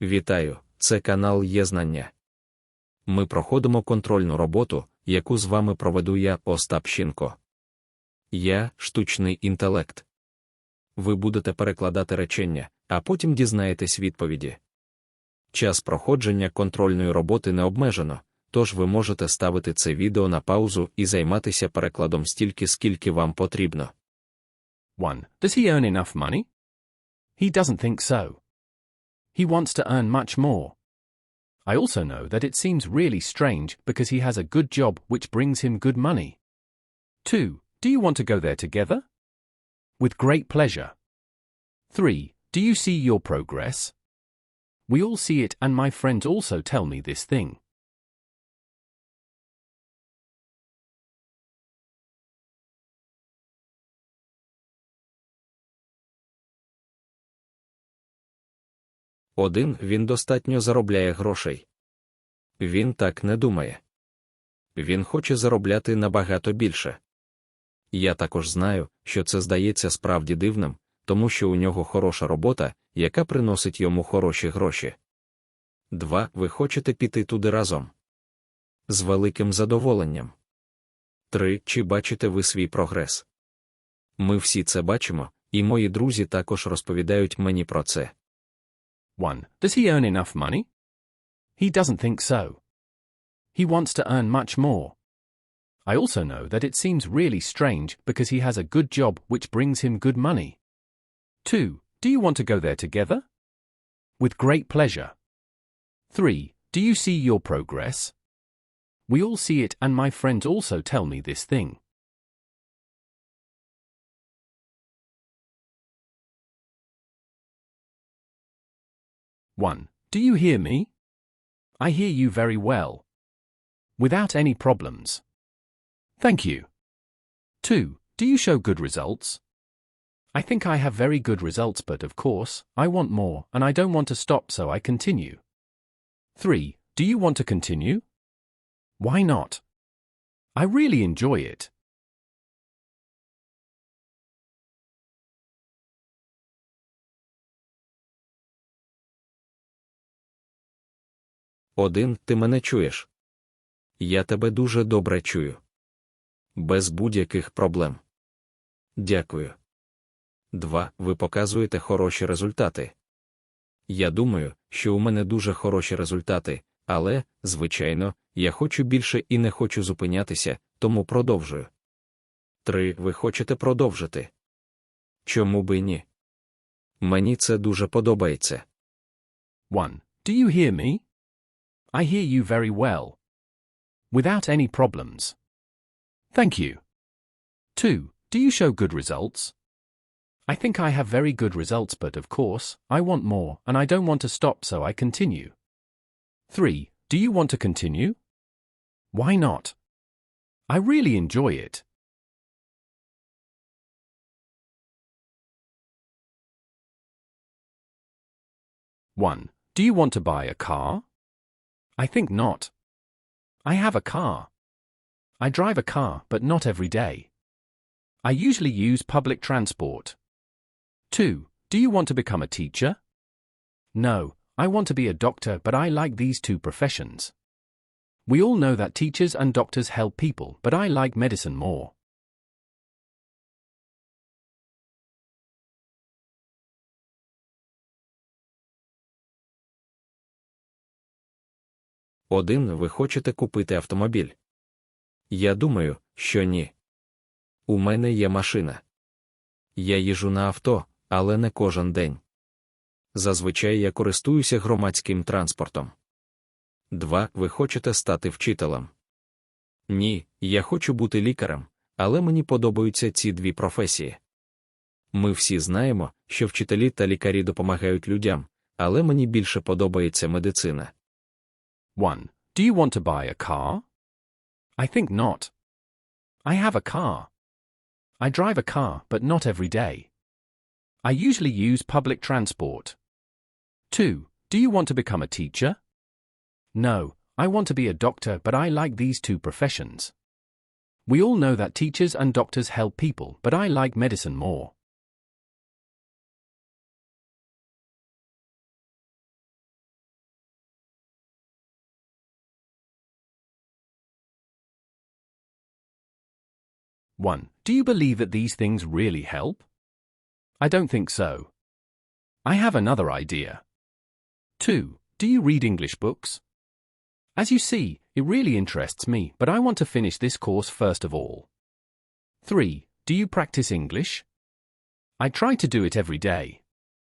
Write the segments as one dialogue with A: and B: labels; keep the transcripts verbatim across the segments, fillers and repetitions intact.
A: Вітаю, це канал Є-знання. Ми проходимо контрольну роботу, яку з вами проведу я, Остап Щінко. Я – штучний інтелект. Ви будете перекладати речення, а потім дізнаєтесь відповіді. Час проходження контрольної роботи не обмежено, тож ви можете ставити це відео на паузу і займатися перекладом стільки, скільки вам потрібно.
B: one. Does he earn enough money? He doesn't think so. He wants to earn much more. I also know that it seems really strange because he has a good job which brings him good money. two. Do you want to go there together? With great pleasure. three. Do you see your progress? We all see it and my friends also tell me this thing.
A: Один, він достатньо заробляє грошей. Він так не думає. Він хоче заробляти набагато більше. Я також знаю, що це здається справді дивним, тому що у нього хороша робота, яка приносить йому хороші гроші. Два. Ви хочете піти туди разом? З великим задоволенням. Три. Чи бачите ви свій прогрес? Ми всі це бачимо, і мої друзі також розповідають мені про це.
B: one. Does he earn enough money? He doesn't think so. He wants to earn much more. I also know that it seems really strange because he has a good job which brings him good money. two. Do you want to go there together? With great pleasure. three. Do you see your progress? We all see it and my friends also tell me this thing. one. Do you hear me? I hear you very well. Without any problems. Thank you. two. Do you show good results? I think I have very good results but of course, I want more and I don't want to stop so I continue. three. Do you want to continue? Why not? I really enjoy it.
A: Один. Ти мене чуєш? Я тебе дуже добре чую. Без будь-яких проблем. Дякую. Два. Ви показуєте хороші результати. Я думаю, що у мене дуже хороші результати, але, звичайно, я хочу більше і не хочу зупинятися, тому продовжую. Три. Ви хочете продовжити? Чому би ні? Мені це дуже подобається.
B: one. Do you hear me? I hear you very well. Without any problems. Thank you. two. Do you show good results? I think I have very good results but of course, I want more and I don't want to stop so I continue. three. Do you want to continue? Why not? I really enjoy it. one. Do you want to buy a car? I think not. I have a car. I drive a car but not every day. I usually use public transport. two. Do you want to become a teacher? No, I want to be a doctor but I like these two professions. We all know that teachers and doctors help people but I like medicine more.
A: Один. Ви хочете купити автомобіль? Я думаю, що ні. У мене є машина. Я їжджу на авто, але не кожен день. Зазвичай я користуюся громадським транспортом. Два. Ви хочете стати вчителем? Ні, я хочу бути лікарем, але мені подобаються ці дві професії. Ми всі знаємо, що вчителі та лікарі допомагають людям, але мені більше подобається медицина.
B: one. Do you want to buy a car? I think not. I have a car. I drive a car but not every day. I usually use public transport. two. Do you want to become a teacher? No, I want to be a doctor but I like these two professions. We all know that teachers and doctors help people but I like medicine more. one. Do you believe that these things really help? I don't think so. I have another idea. two. Do you read English books? As you see, it really interests me, but I want to finish this course first of all. three. Do you practice English? I try to do it every day.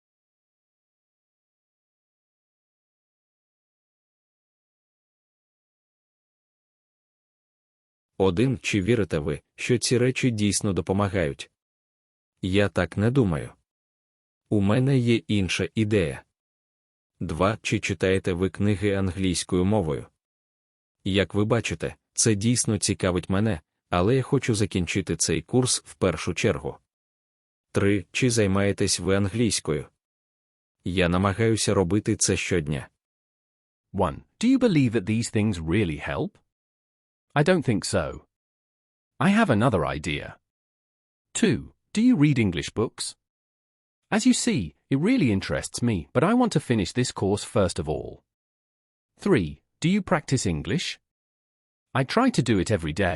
A: один. Чи вірите ви, що ці речі дійсно допомагають? Я так не думаю. У мене є інша ідея. два. Чи читаєте ви книги англійською мовою? Як ви бачите, це дійсно цікавить мене, але я хочу закінчити цей курс в першу чергу. три. Чи займаєтесь ви англійською? Я намагаюся робити це щодня.
B: one. Do you believe that these things really help? I don't think so. I have another idea. two. Do you read English books? As you see, it really interests me, but I want to finish this course first of all. three. Do you practice English? I try to do it every day.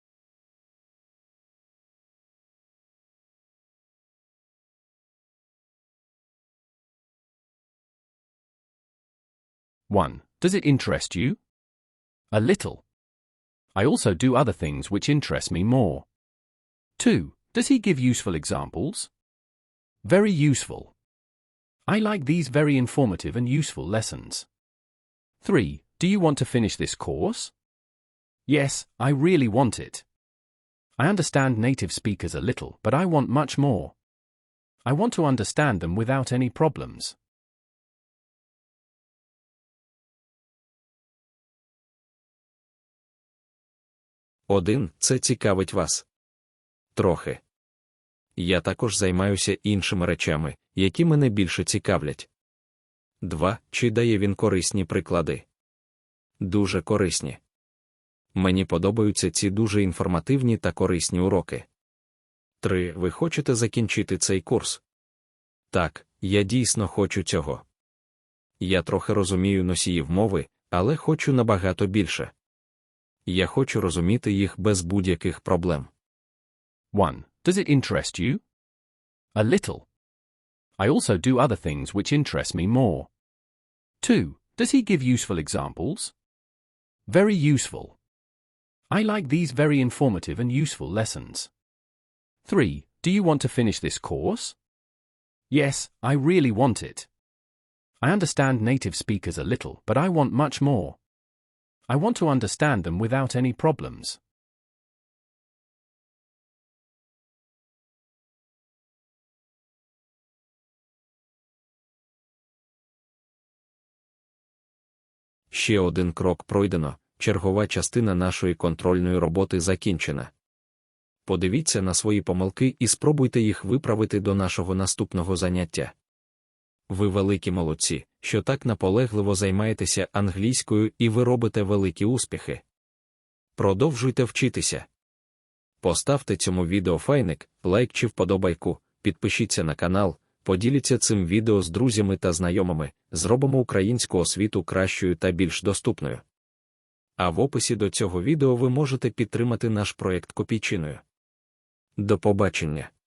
B: one. Does it interest you? A little. I also do other things which interest me more. two. Does he give useful examples? Very useful. I like these very informative and useful lessons. three. Do you want to finish this course? Yes, I really want it. I understand native speakers a little, but I want much more. I want to understand them without any problems.
A: один. Це цікавить вас. Трохи. Я також займаюся іншими речами, які мене більше цікавлять. два. Чи дає він корисні приклади? Дуже корисні. Мені подобаються ці дуже інформативні та корисні уроки. три. Ви хочете закінчити цей курс? Так, я дійсно хочу цього. Я трохи розумію носіїв мови, але хочу набагато більше. Я хочу розуміти їх без будь-яких проблем.
B: one. Does it interest you? A little. I also do other things which interest me more. two. Does he give useful examples? Very useful. I like these very informative and useful lessons. three. Do you want to finish this course? Yes, I really want it. I understand native speakers a little, but I want much more. I want to understand them without any problems.
A: Ще один крок пройдено, чергова частина нашої контрольної роботи закінчена. Подивіться на свої помилки і спробуйте їх виправити до нашого наступного заняття. Ви великі молодці, що так наполегливо займаєтеся англійською і ви робите великі успіхи. Продовжуйте вчитися. Поставте цьому відео файник, лайк чи вподобайку, підпишіться на канал, поділіться цим відео з друзями та знайомими, зробимо українську освіту кращою та більш доступною. А в описі до цього відео ви можете підтримати наш проєкт копійчиною. До побачення!